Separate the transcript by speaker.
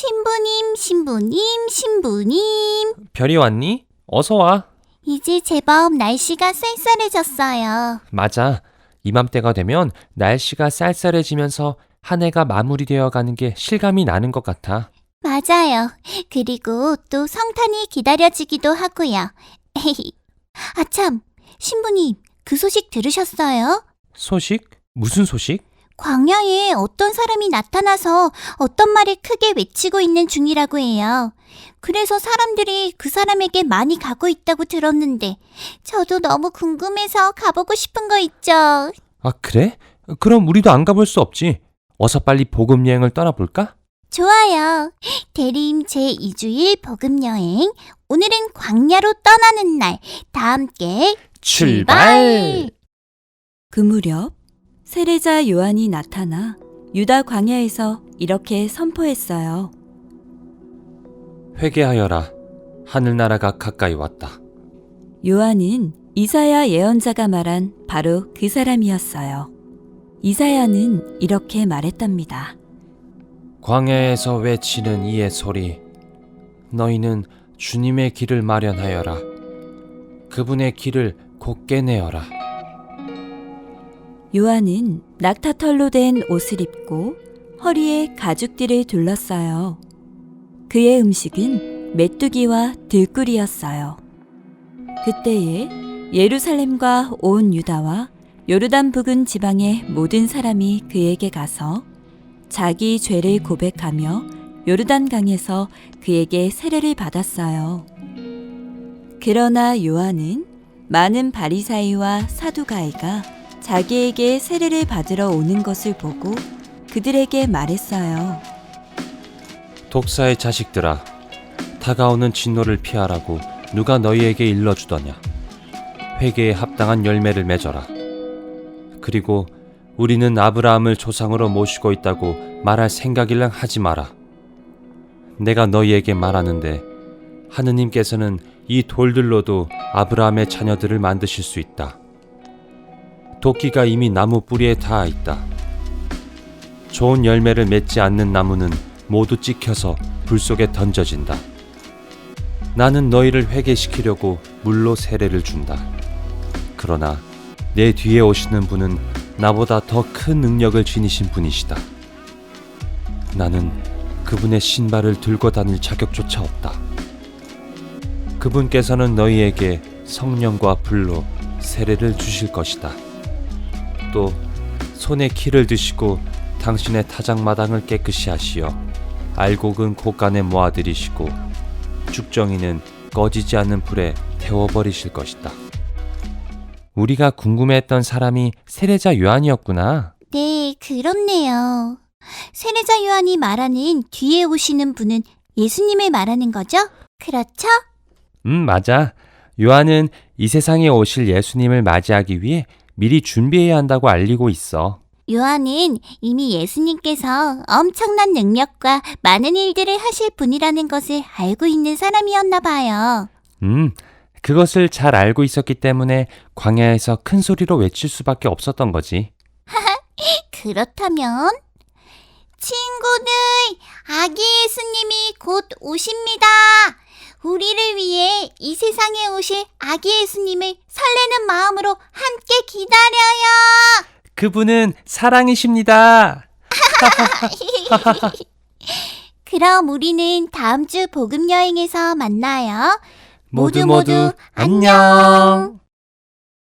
Speaker 1: 신부님.
Speaker 2: 별이 왔니? 어서 와.
Speaker 1: 이제 제법 날씨가 쌀쌀해졌어요.
Speaker 2: 맞아. 이맘때가 되면 날씨가 쌀쌀해지면서 한 해가 마무리되어 가는 게 실감이 나는 것 같아.
Speaker 1: 맞아요. 그리고 또 성탄이 기다려지기도 하고요. 아참, 신부님, 그 소식 들으셨어요?
Speaker 2: 소식? 무슨 소식?
Speaker 1: 광야에 어떤 사람이 나타나서 어떤 말을 크게 외치고 있는 중이라고 해요. 그래서 사람들이 그 사람에게 많이 가고 있다고 들었는데 저도 너무 궁금해서 가보고 싶은 거 있죠.
Speaker 2: 아, 그래? 그럼 우리도 안 가볼 수 없지. 어서 빨리 복음 여행을 떠나볼까?
Speaker 1: 좋아요. 대림 제2주일 복음여행. 오늘은 광야로 떠나는 날. 다 함께 출발!
Speaker 3: 그 무렵 세례자 요한이 나타나 유다 광야에서 이렇게 선포했어요.
Speaker 2: 회개하여라. 하늘나라가 가까이 왔다.
Speaker 3: 요한은 이사야 예언자가 말한 바로 그 사람이었어요. 이사야는 이렇게 말했답니다.
Speaker 2: 광야에서 외치는 이의 소리. 너희는 주님의 길을 마련하여라. 그분의 길을 곧게 내어라.
Speaker 3: 요한은 낙타털로 된 옷을 입고 허리에 가죽띠를 둘렀어요. 그의 음식은 메뚜기와 들꿀이었어요. 그때에 예루살렘과 온 유다와 요르단 부근 지방의 모든 사람이 그에게 가서 자기 죄를 고백하며 요르단강에서 그에게 세례를 받았어요. 그러나 요한은 많은 바리사이와 사두가이가 자기에게 세례를 받으러 오는 것을 보고 그들에게 말했어요.
Speaker 2: 독사의 자식들아, 다가오는 진노를 피하라고 누가 너희에게 일러주더냐. 회개에 합당한 열매를 맺어라. 그리고 우리는 아브라함을 조상으로 모시고 있다고 말할 생각일랑 하지 마라. 내가 너희에게 말하는데 하느님께서는 이 돌들로도 아브라함의 자녀들을 만드실 수 있다. 도끼가 이미 나무 뿌리에 닿아 있다. 좋은 열매를 맺지 않는 나무는 모두 찍혀서 불 속에 던져진다. 나는 너희를 회개시키려고 물로 세례를 준다. 그러나 내 뒤에 오시는 분은 나보다 더 큰 능력을 지니신 분이시다. 나는 그분의 신발을 들고 다닐 자격조차 없다. 그분께서는 너희에게 성령과 불로 세례를 주실 것이다. 또 손에 키를 드시고 당신의 타작마당을 깨끗이 하시어 알곡은 곳간에 모아들이시고 죽정이는 꺼지지 않는 불에 태워버리실 것이다. 우리가 궁금해했던 사람이 세례자 요한이었구나.
Speaker 1: 네, 그렇네요. 세례자 요한이 말하는 뒤에 오시는 분은 예수님을 말하는 거죠? 그렇죠?
Speaker 2: 맞아. 요한은 이 세상에 오실 예수님을 맞이하기 위해 미리 준비해야 한다고 알리고 있어.
Speaker 1: 요한은 이미 예수님께서 엄청난 능력과 많은 일들을 하실 분이라는 것을 알고 있는 사람이었나 봐요.
Speaker 2: 그것을 잘 알고 있었기 때문에 광야에서 큰 소리로 외칠 수밖에 없었던 거지.
Speaker 1: 그렇다면 친구들, 아기 예수님이 곧 오십니다. 우리를 위해 이 세상에 오실 아기 예수님을 설레는 마음으로 함께 기다려요.
Speaker 2: 그분은 사랑이십니다.
Speaker 1: 그럼 우리는 다음 주 복음 여행에서 만나요.
Speaker 2: 모두 안녕.